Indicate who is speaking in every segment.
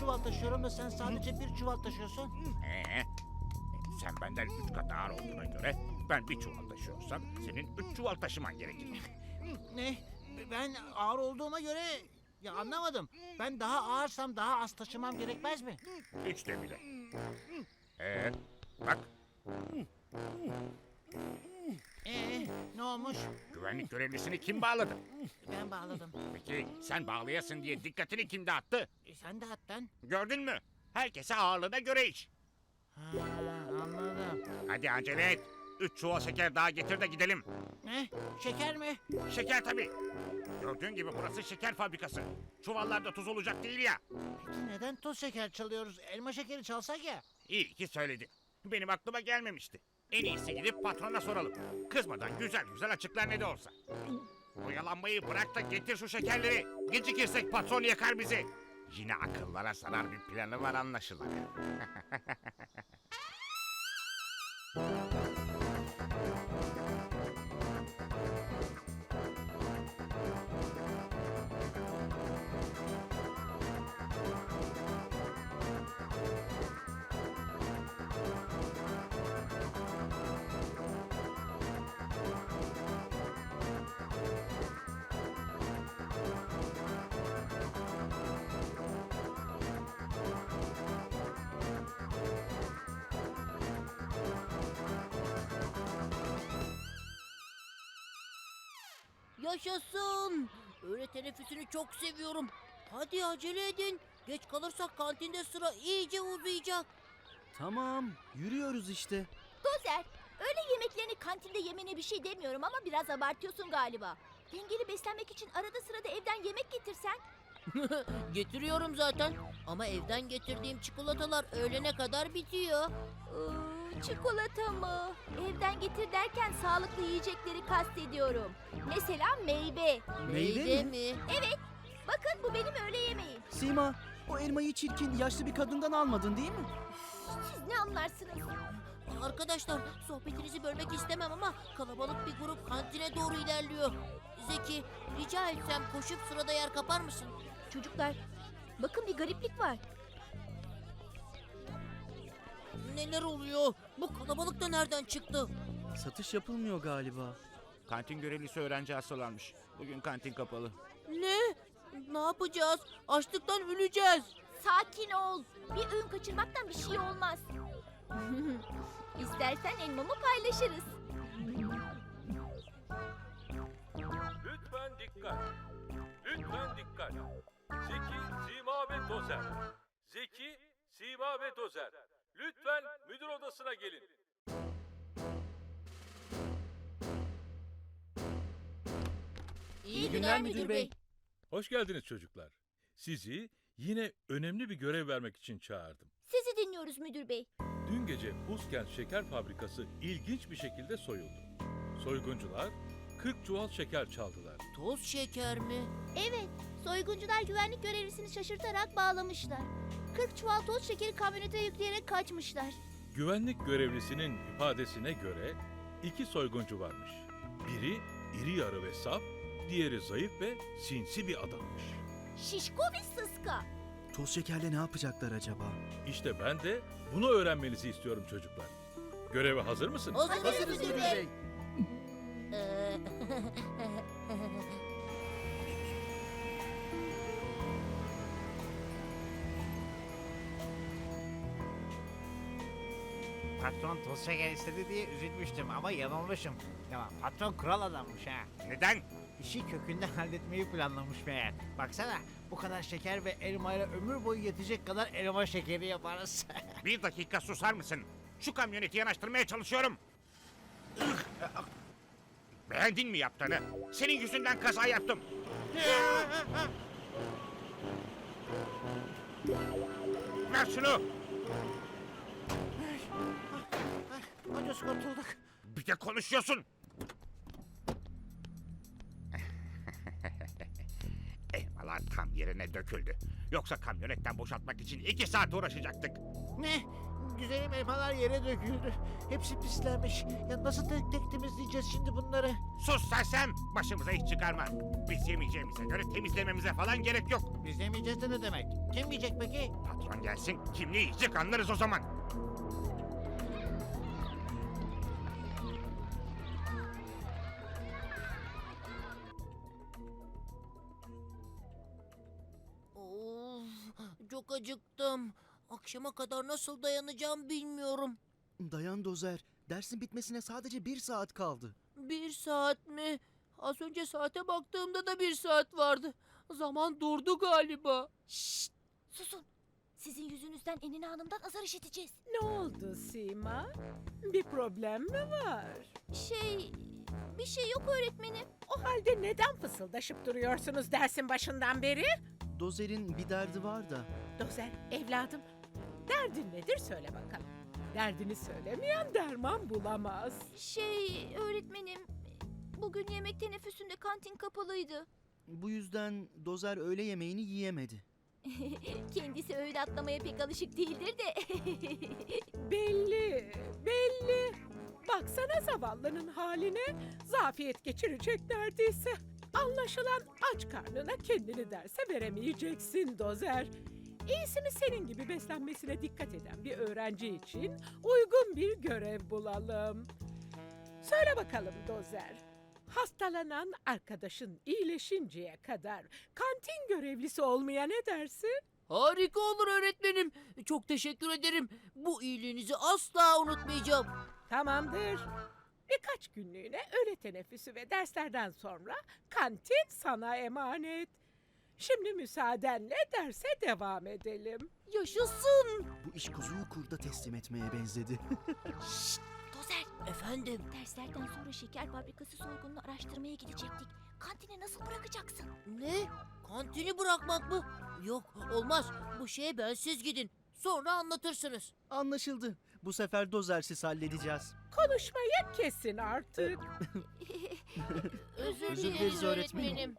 Speaker 1: çuval taşıyorum da sen sadece bir çuval taşıyorsun.
Speaker 2: Sen benden 3 kat ağır olduğuna göre ben bir çuval taşıyorsam senin 3 çuval taşıman gerekecek.
Speaker 1: Ne? Ben ağır olduğuma göre... Ya anlamadım. Ben daha ağırsam daha az taşımam gerekmez mi?
Speaker 2: Hiç de bile. Bak
Speaker 1: Ne olmuş?
Speaker 2: güvenlik görevlisini kim bağladı?
Speaker 1: Ben bağladım.
Speaker 2: Peki sen bağlayasın diye dikkatini kim dağıttı?
Speaker 1: Sen de hattan.
Speaker 2: Gördün mü? Herkese ağırlığına göre iş.
Speaker 1: Ha, anladım.
Speaker 2: Hadi acele et. 3 çuval şeker daha getir de gidelim.
Speaker 1: Ne? Şeker mi?
Speaker 2: Şeker tabii. Gördüğün gibi burası şeker fabrikası. Çuvallarda tuz olacak değil ya.
Speaker 1: Peki neden toz şeker çalıyoruz? Elma şekeri çalsak ya.
Speaker 2: İyi ki söyledin. Benim aklıma gelmemişti. En iyisi gidip patrona soralım. Kızmadan güzel güzel açıklar ne de olsa. Oyalanmayı bırak da getir şu şekerleri. Gecikirsek patron yakar bizi. Yine akıllara zarar bir planı var anlaşılan.
Speaker 3: Yaşasın. Öğle teneffüsünü çok seviyorum. Hadi acele edin. Geç kalırsak kantinde sıra iyice uzayacak.
Speaker 4: Tamam, yürüyoruz işte.
Speaker 5: Dozer, öğle yemeklerini kantinde yemene bir şey demiyorum ama biraz abartıyorsun galiba. Dengeli beslenmek için arada sırada evden yemek getirsen.
Speaker 3: Getiriyorum zaten. Ama evden getirdiğim çikolatalar öğlene kadar bitiyor.
Speaker 5: Çikolata mı? Evden getir derken sağlıklı yiyecekleri kastediyorum. Mesela meyve.
Speaker 4: Meyve
Speaker 3: mi?
Speaker 5: Bakın bu benim öğle yemeğim.
Speaker 4: Sima, o elmayı çirkin, yaşlı bir kadından almadın değil mi?
Speaker 5: Siz ne anlarsınız?
Speaker 3: Arkadaşlar sohbetinizi bölmek istemem ama kalabalık bir grup kantine doğru ilerliyor. Zeki, rica etsem koşup sırada yer kapar mısın?
Speaker 5: Çocuklar, bakın bir gariplik var.
Speaker 3: Neler oluyor? Bu kalabalık da nereden çıktı?
Speaker 4: Satış yapılmıyor galiba.
Speaker 2: Kantin görevlisi öğrenci hastalanmış. Bugün kantin kapalı.
Speaker 3: Ne? Ne yapacağız? Açlıktan öleceğiz.
Speaker 5: Sakin ol. Bir öğün kaçırmaktan bir şey olmaz. İstersen elmamı paylaşırız.
Speaker 6: Lütfen dikkat. Lütfen dikkat. Zeki, Sima ve Dozer. Zeki, Sima ve Dozer. Lütfen müdür odasına gelin.
Speaker 3: İyi
Speaker 4: günler müdür bey.
Speaker 6: Hoş geldiniz çocuklar. Sizi yine önemli bir görev vermek için çağırdım.
Speaker 5: Sizi dinliyoruz müdür bey.
Speaker 6: Dün gece Buzkent Şeker Fabrikası ilginç bir şekilde soyuldu. Soyguncular 40 çuval şeker çaldılar.
Speaker 3: Toz şeker mi?
Speaker 5: Evet, soyguncular güvenlik görevlisini şaşırtarak bağlamışlar. 40 çuval toz şekeri kamyonete yükleyerek kaçmışlar.
Speaker 6: Güvenlik görevlisinin ifadesine göre 2 soyguncu varmış. Biri iri yarı ve saf, diğeri zayıf ve sinsi bir adammış.
Speaker 5: Şişko ve sıska.
Speaker 4: Toz şekerle ne yapacaklar acaba?
Speaker 6: İşte ben de bunu öğrenmenizi istiyorum çocuklar. Göreve hazır mısınız?
Speaker 3: Hazırız müdür bey.
Speaker 1: Patron toz şeker istedi diye üzülmüştüm ama yanılmışım. Ya patron kural adammış ha.
Speaker 2: Neden?
Speaker 1: İşi kökünden halletmeyi planlamış meğer. Baksana bu kadar şeker ve elmayla ömür boyu yetecek kadar elma şekeri yaparız.
Speaker 2: Bir dakika susar mısın? Şu kamyoneti yanaştırmaya çalışıyorum. Beğendin mi yaptığını? Senin yüzünden kaza yaptım. Ver şunu.
Speaker 1: Ucuz kurtulduk.
Speaker 2: Bir de konuşuyorsun. Elmalar tam yerine döküldü. Yoksa kamyonetten boşaltmak için 2 saat uğraşacaktık.
Speaker 1: Ne? güzelim elmalar yere döküldü. Hepsi pislenmiş. Ya nasıl tek tek temizleyeceğiz şimdi bunları?
Speaker 2: Sus Sersem! Başımıza iş çıkarma. Biz yemeyeceğimize göre temizlememize falan gerek yok.
Speaker 1: Biz yemeyeceğiz de ne demek? Kim yiyecek peki?
Speaker 2: Patron gelsin, kim ne yiyecek anlarız o zaman.
Speaker 3: Of, çok acıktım. Akşama kadar nasıl dayanacağım bilmiyorum.
Speaker 4: Dayan Dozer. Dersin bitmesine sadece 1 saat kaldı.
Speaker 3: 1 saat mi? Az önce saate baktığımda da 1 saat vardı. Zaman durdu galiba.
Speaker 5: Şşt! Susun. Sizin yüzünüzden Enine Hanım'dan azar işiteceğiz.
Speaker 7: Ne oldu Sima? Bir problem mi var?
Speaker 5: Bir şey yok öğretmenim.
Speaker 7: O halde neden fısıldaşıp duruyorsunuz dersin başından beri?
Speaker 4: Dozer'in bir derdi var da.
Speaker 7: Dozer, evladım, derdin nedir söyle bakalım. Derdini söylemeyen derman bulamaz.
Speaker 5: Öğretmenim. Bugün yemek teneffüsünde kantin kapalıydı.
Speaker 4: Bu yüzden Dozer öğle yemeğini yiyemedi.
Speaker 5: Kendisi öğle atlamaya pek alışık değildir de.
Speaker 7: Belli, belli. Baksana zavallının haline, zafiyet geçirecek neredeyse. Anlaşılan aç karnına kendini derse veremeyeceksin Dozer. İyisi mi senin gibi beslenmesine dikkat eden bir öğrenci için uygun bir görev bulalım. Söyle bakalım Dozer. Hastalanan arkadaşın iyileşinceye kadar kantin görevlisi olmaya ne dersin?
Speaker 3: Harika olur öğretmenim. Çok teşekkür ederim. Bu iyiliğinizi asla unutmayacağım.
Speaker 7: Tamamdır. Birkaç günlüğüne öğle teneffüsü ve derslerden sonra kantin sana emanet. Şimdi müsaadenle derse devam edelim.
Speaker 3: Yaşasın.
Speaker 4: Bu iş kuzuyu kurda teslim etmeye benzedi.
Speaker 5: Dozer,
Speaker 3: Efendim.
Speaker 5: derslerden sonra şeker fabrikası soygununu araştırmaya gidecektik. Kantine nasıl bırakacaksın?
Speaker 3: Ne? Kantini bırakmak mı? Yok olmaz. Bu şeye bensiz gidin. Sonra anlatırsınız.
Speaker 4: Anlaşıldı. Bu sefer Dozer'siz halledeceğiz.
Speaker 7: Konuşmayı kesin artık.
Speaker 3: Özür
Speaker 4: Özür
Speaker 3: dileriz
Speaker 4: dileriz öğretmenim.
Speaker 3: öğretmenim.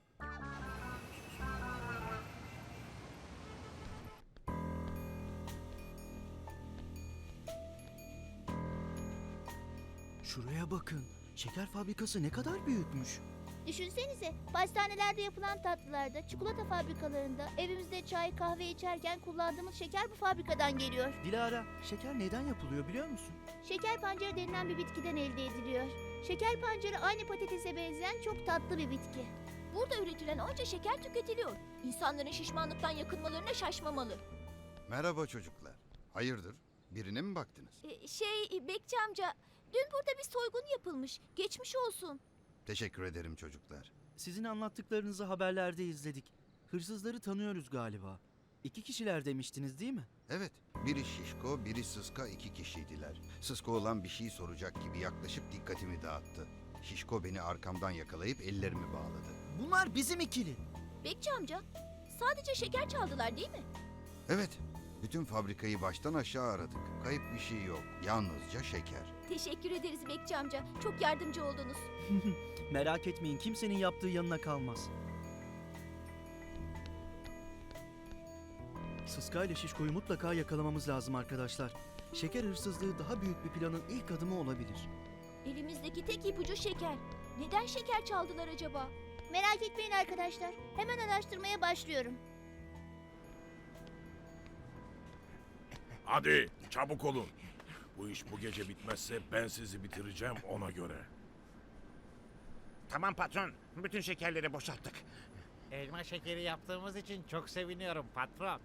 Speaker 4: Şuraya bakın. Şeker fabrikası ne kadar büyükmüş.
Speaker 5: Düşünsenize, pastanelerde yapılan tatlılarda, çikolata fabrikalarında, evimizde çay kahve içerken kullandığımız şeker bu fabrikadan geliyor.
Speaker 4: Dilara, şeker neden yapılıyor biliyor musun?
Speaker 5: Şeker pancarı denilen bir bitkiden elde ediliyor. Şeker pancarı aynı patatese benzeyen çok tatlı bir bitki. Burada üretilen onca şeker tüketiliyor. İnsanların şişmanlıktan yakınmalarına şaşmamalı.
Speaker 8: Merhaba çocuklar. Hayırdır? Birine mi baktınız?
Speaker 5: Bekçi amca, dün burada bir soygun yapılmış. Geçmiş olsun.
Speaker 8: Teşekkür ederim çocuklar.
Speaker 4: Sizin anlattıklarınızı haberlerde izledik. Hırsızları tanıyoruz galiba. 2 kişiler demiştiniz değil mi?
Speaker 8: Evet, biri Şişko, biri Sıska 2 kişiydiler. Sıska olan bir şey soracak gibi yaklaşıp dikkatimi dağıttı. Şişko beni arkamdan yakalayıp ellerimi bağladı.
Speaker 4: Bunlar bizim ikili.
Speaker 5: Bekçi amca, sadece şeker çaldılar değil mi?
Speaker 8: Evet, bütün fabrikayı baştan aşağı aradık. Kayıp bir şey yok, yalnızca şeker.
Speaker 5: Teşekkür ederiz Bekçi amca. Çok yardımcı oldunuz.
Speaker 4: Merak etmeyin, kimsenin yaptığı yanına kalmaz. Sıska ile Şişko'yu mutlaka yakalamamız lazım arkadaşlar. Şeker hırsızlığı daha büyük bir planın ilk adımı olabilir.
Speaker 5: Elimizdeki tek ipucu şeker. Neden şeker çaldılar acaba? Merak etmeyin arkadaşlar. Hemen araştırmaya başlıyorum.
Speaker 6: Hadi çabuk olun. Bu iş bu gece bitmezse ben sizi bitireceğim ona göre.
Speaker 2: Tamam patron, bütün şekerleri boşalttık.
Speaker 1: Elma şekeri yaptığımız için çok seviniyorum patron.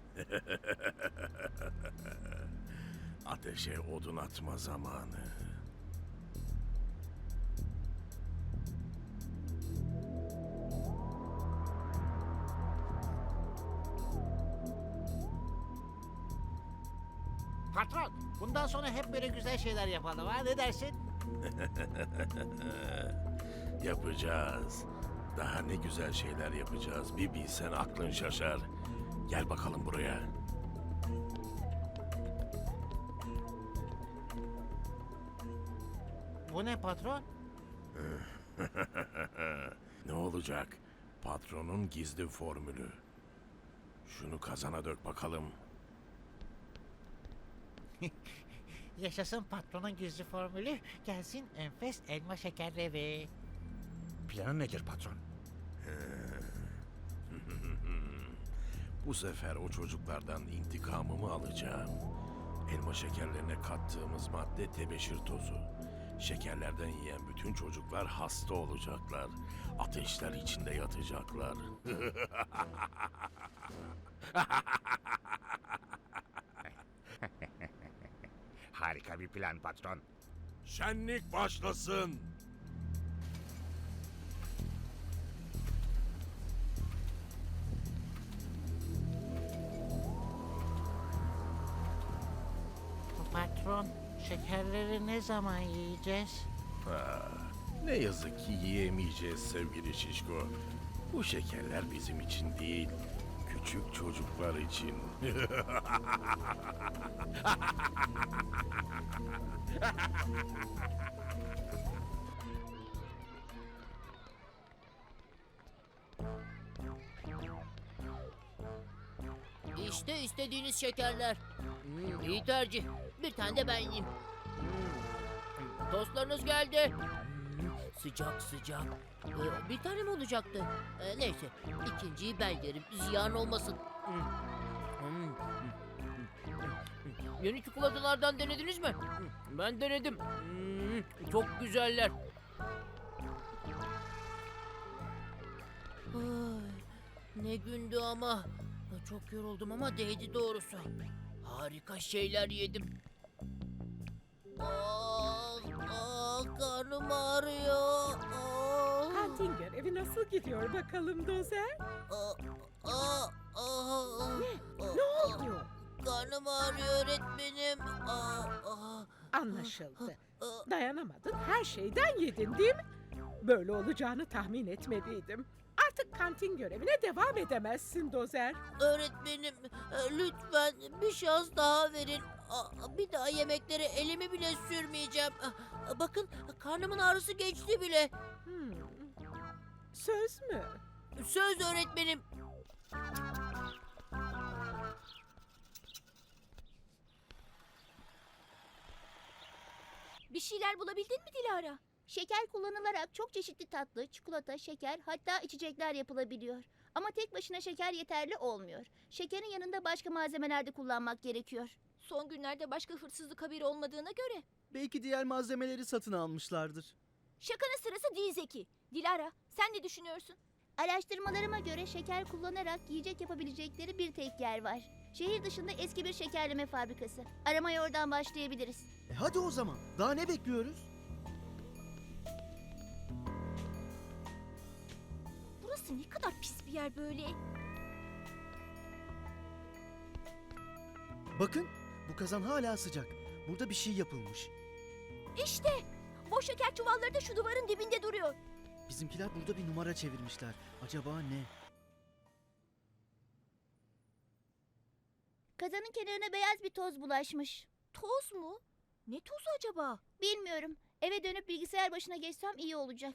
Speaker 6: Ateşe odun atma zamanı.
Speaker 1: Patron, bundan sonra hep böyle güzel şeyler yapalım ha, ne dersin?
Speaker 6: Yapacağız. Daha ne güzel şeyler yapacağız. Bir bilsen aklın şaşar. Gel bakalım buraya.
Speaker 1: Bu ne patron?
Speaker 6: Ne olacak? Patronun gizli formülü. Şunu kazana dök bakalım.
Speaker 1: Yaşasın patronun gizli formülü, gelsin enfes elma şekerleri.
Speaker 2: Planın nedir patron?
Speaker 9: Bu sefer o çocuklardan intikamımı alacağım. Elma şekerlerine kattığımız madde tebeşir tozu. Şekerlerden yiyen bütün çocuklar hasta olacaklar. Ateşler içinde yatacaklar.
Speaker 2: Harika bir plan patron.
Speaker 9: Şenlik başlasın.
Speaker 1: Patron, şekerleri ne zaman yiyeceğiz?
Speaker 9: Ne yazık ki yiyemeyeceğiz sevgili Şişko. Bu şekerler bizim için değil, küçük çocuklar için.
Speaker 3: İşte istediğiniz şekerler. İyi tercih. Bir tane de ben yiyeyim. Tostlarınız geldi. Sıcak sıcak. Bir tane mi olacaktı? Neyse, ikinciyi ben yerim. Ziyan olmasın. Yeni çikolatalardan denediniz mi? Ben denedim. Çok güzeller. Ay, ne gündü ama. Çok yoruldum ama değdi doğrusu. Harika şeyler yedim. Karnım ağrıyor.
Speaker 7: Kantin görevi nasıl gidiyor bakalım Dozer? Ne oldu?
Speaker 3: Karnım ağrıyor öğretmenim.
Speaker 7: Anlaşıldı. Dayanamadın, her şeyden yedin değil mi? Böyle olacağını tahmin etmeliydim. Artık kantin görevine devam edemezsin Dozer.
Speaker 3: Öğretmenim, lütfen bir şans daha verin. Bir daha yemeklere elimi bile sürmeyeceğim. Bakın, karnımın ağrısı geçti bile.
Speaker 7: Söz mü?
Speaker 3: Söz öğretmenim.
Speaker 5: Bir şeyler bulabildin mi Dilara? Şeker kullanılarak çok çeşitli tatlı, çikolata, şeker hatta içecekler yapılabiliyor. Ama tek başına şeker yeterli olmuyor. Şekerin yanında başka malzemeler de kullanmak gerekiyor. Son günlerde başka hırsızlık haberi olmadığına göre.
Speaker 4: Belki diğer malzemeleri satın almışlardır.
Speaker 5: Şakanın sırası değil Zeki. Dilara, sen ne düşünüyorsun? Araştırmalarıma göre şeker kullanarak yiyecek yapabilecekleri bir tek yer var. Şehir dışında eski bir şekerleme fabrikası. Aramaya oradan başlayabiliriz.
Speaker 4: Hadi o zaman. Daha ne bekliyoruz?
Speaker 5: Burası ne kadar pis bir yer böyle.
Speaker 4: Bakın, bu kazan hala sıcak. Burada bir şey yapılmış.
Speaker 5: İşte boş şeker çuvalları da şu duvarın dibinde duruyor.
Speaker 4: Bizimkiler burada bir numara çevirmişler. Acaba ne?
Speaker 5: Kazanın kenarına beyaz bir toz bulaşmış. Toz mu? Ne tozu acaba? Bilmiyorum. Eve dönüp bilgisayar başına geçsem iyi olacak.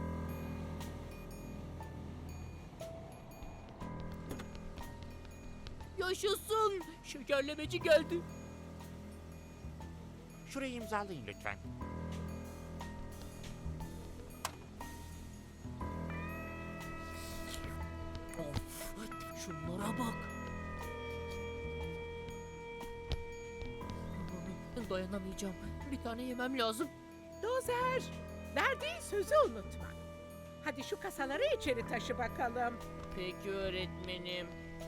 Speaker 3: Yaşasın. Şekerlemeci geldi.
Speaker 2: Şurayı imzalayın lütfen.
Speaker 3: Of, şunlara bak. Dayanamayacağım. Bir tane yemem lazım.
Speaker 7: Dozer, verdiğin sözü unutma. Hadi şu kasaları içeri taşı bakalım.
Speaker 3: Peki öğretmenim.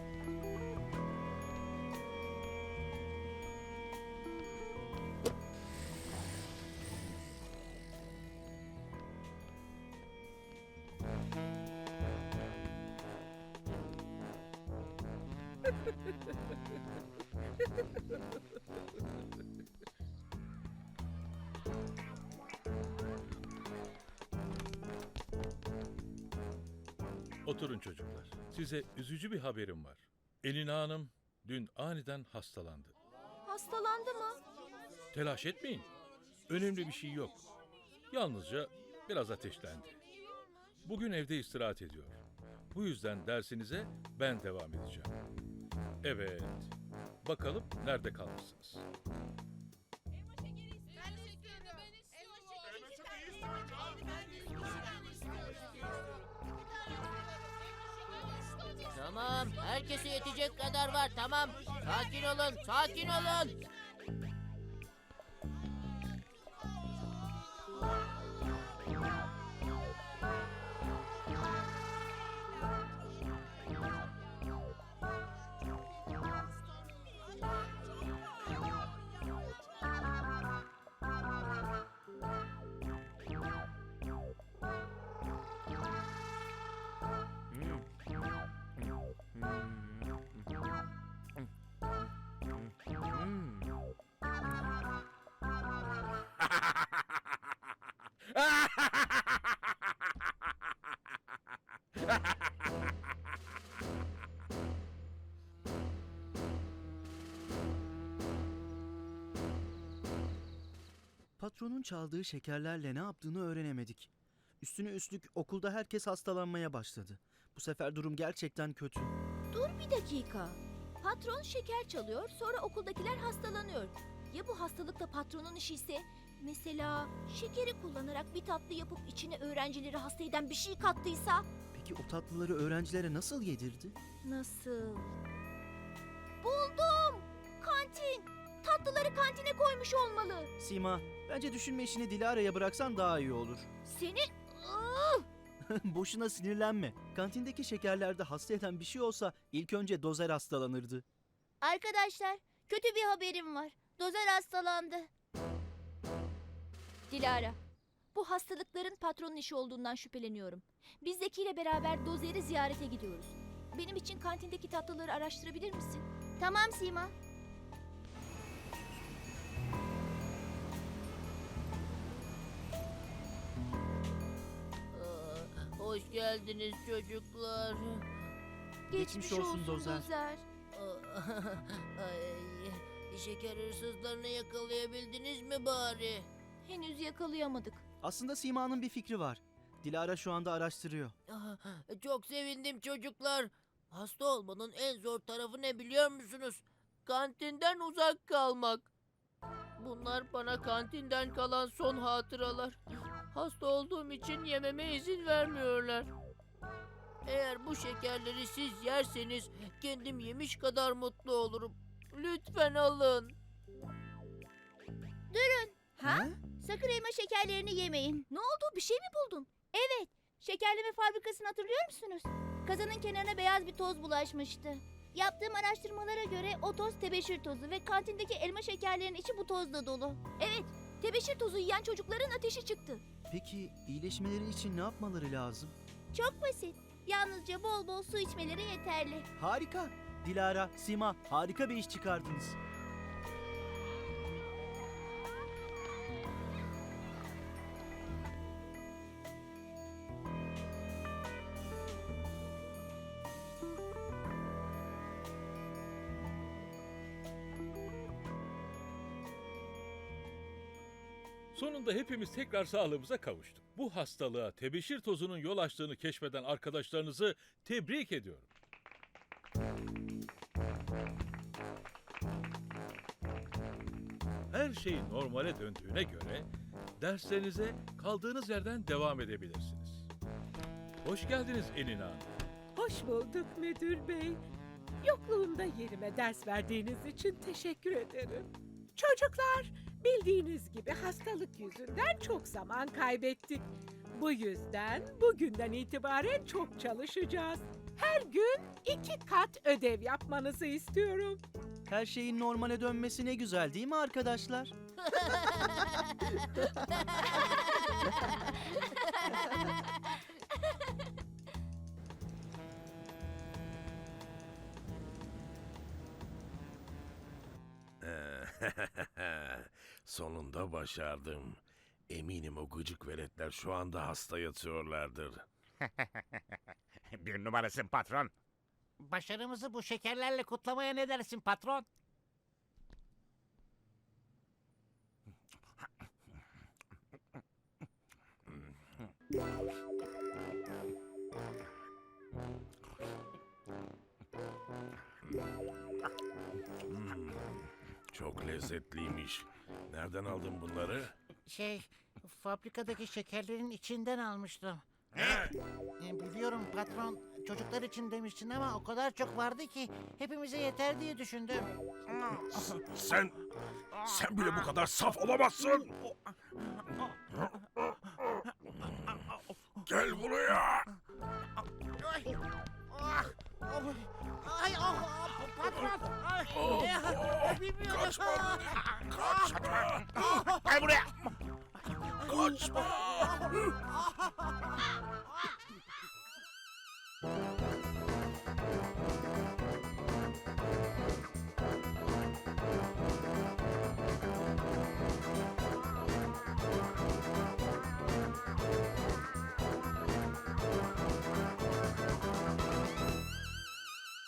Speaker 6: Oturun çocuklar. Size üzücü bir haberim var. Elina Hanım dün aniden hastalandı.
Speaker 5: Hastalandı mı?
Speaker 6: Telaş etmeyin. Önemli bir şey yok. Yalnızca biraz ateşlendi. Bugün evde istirahat ediyor. Bu yüzden dersinize ben devam edeceğim. Evet. Bakalım nerede kalmışsınız?
Speaker 3: Tamam, herkese yetecek kadar var, tamam. Sakin olun, sakin olun.
Speaker 4: Patronun çaldığı şekerlerle ne yaptığını öğrenemedik. Üstüne üstlük okulda herkes hastalanmaya başladı. Bu sefer durum gerçekten kötü.
Speaker 5: Dur bir dakika. Patron şeker çalıyor, sonra okuldakiler hastalanıyor. Ya bu hastalık da patronun işi ise? Mesela şekeri kullanarak bir tatlı yapıp içine öğrencileri hasta eden bir şey kattıysa?
Speaker 4: Peki o tatlıları öğrencilere nasıl yedirdi?
Speaker 5: Nasıl? Buldum! Kantin! Tatlıları kantine koymuş olmalı.
Speaker 4: Sima, bence düşünme işini Dilara'ya bıraksan daha iyi olur.
Speaker 5: Seni...
Speaker 4: Boşuna sinirlenme. Kantindeki şekerlerde hasta eden bir şey olsa ilk önce Dozer hastalanırdı.
Speaker 5: Arkadaşlar, kötü bir haberim var. Dozer hastalandı. Dilara, bu hastalıkların patronun işi olduğundan şüpheleniyorum. Biz Zeki ile beraber Dozer'i ziyarete gidiyoruz. Benim için kantindeki tatlıları araştırabilir misin? Tamam Sima.
Speaker 3: Hoş geldiniz çocuklar.
Speaker 4: Geçmiş olsun Dozer.
Speaker 3: Ay, şeker hırsızlarını yakalayabildiniz mi bari?
Speaker 5: Henüz yakalayamadık.
Speaker 4: Aslında Sima'nın bir fikri var. Dilara şu anda araştırıyor.
Speaker 3: Çok sevindim çocuklar. Hasta olmanın en zor tarafı ne biliyor musunuz? Kantinden uzak kalmak. Bunlar bana kantinden kalan son hatıralar. Hasta olduğum için yememe izin vermiyorlar. Eğer bu şekerleri siz yerseniz kendim yemiş kadar mutlu olurum. Lütfen alın.
Speaker 5: Ha? Sakın elma şekerlerini yemeyin. Ne oldu? Bir şey mi buldun? Evet. Şekerleme fabrikasını hatırlıyor musunuz? Kazanın kenarına beyaz bir toz bulaşmıştı. Yaptığım araştırmalara göre o toz tebeşir tozu ve kantindeki elma şekerlerinin içi bu tozla dolu. Evet, tebeşir tozu yiyen çocukların ateşi çıktı.
Speaker 4: Peki iyileşmeleri için ne yapmaları lazım?
Speaker 5: Çok basit. Yalnızca bol bol su içmeleri yeterli.
Speaker 4: Harika. Dilara, Sima harika bir iş çıkardınız.
Speaker 6: Sonunda hepimiz tekrar sağlığımıza kavuştuk. Bu hastalığa tebeşir tozunun yol açtığını keşfeden arkadaşlarınızı tebrik ediyorum. Her şey normale döndüğüne göre derslerinize kaldığınız yerden devam edebilirsiniz. Hoş geldiniz Enina Hanım.
Speaker 7: Hoş bulduk müdür bey. Yokluğumda yerime ders verdiğiniz için teşekkür ederim. Çocuklar, bildiğiniz gibi hastalık yüzünden çok zaman kaybettik. Bu yüzden bugünden itibaren çok çalışacağız. Her gün 2 kat ödev yapmanızı istiyorum.
Speaker 4: Her şeyin normale dönmesi ne güzel değil mi arkadaşlar?
Speaker 9: Sonunda başardım. Eminim o gıcık veletler şu anda hasta yatıyorlardır.
Speaker 2: Bir numarasın patron.
Speaker 1: Başarımızı bu şekerlerle kutlamaya ne dersin patron?
Speaker 9: Çok lezzetliymiş. Nereden aldın bunları?
Speaker 1: Fabrikadaki şekerlerin içinden almıştım.
Speaker 2: Ne?
Speaker 1: Biliyorum patron, çocuklar için demiştin ama o kadar çok vardı ki hepimize yeter diye düşündüm.
Speaker 9: Sen bile bu kadar saf olamazsın. Gel buraya.
Speaker 1: Patron! Bilmiyorum.
Speaker 9: Kaçma. Kaçma.
Speaker 2: Gel buraya.
Speaker 9: Kaçma.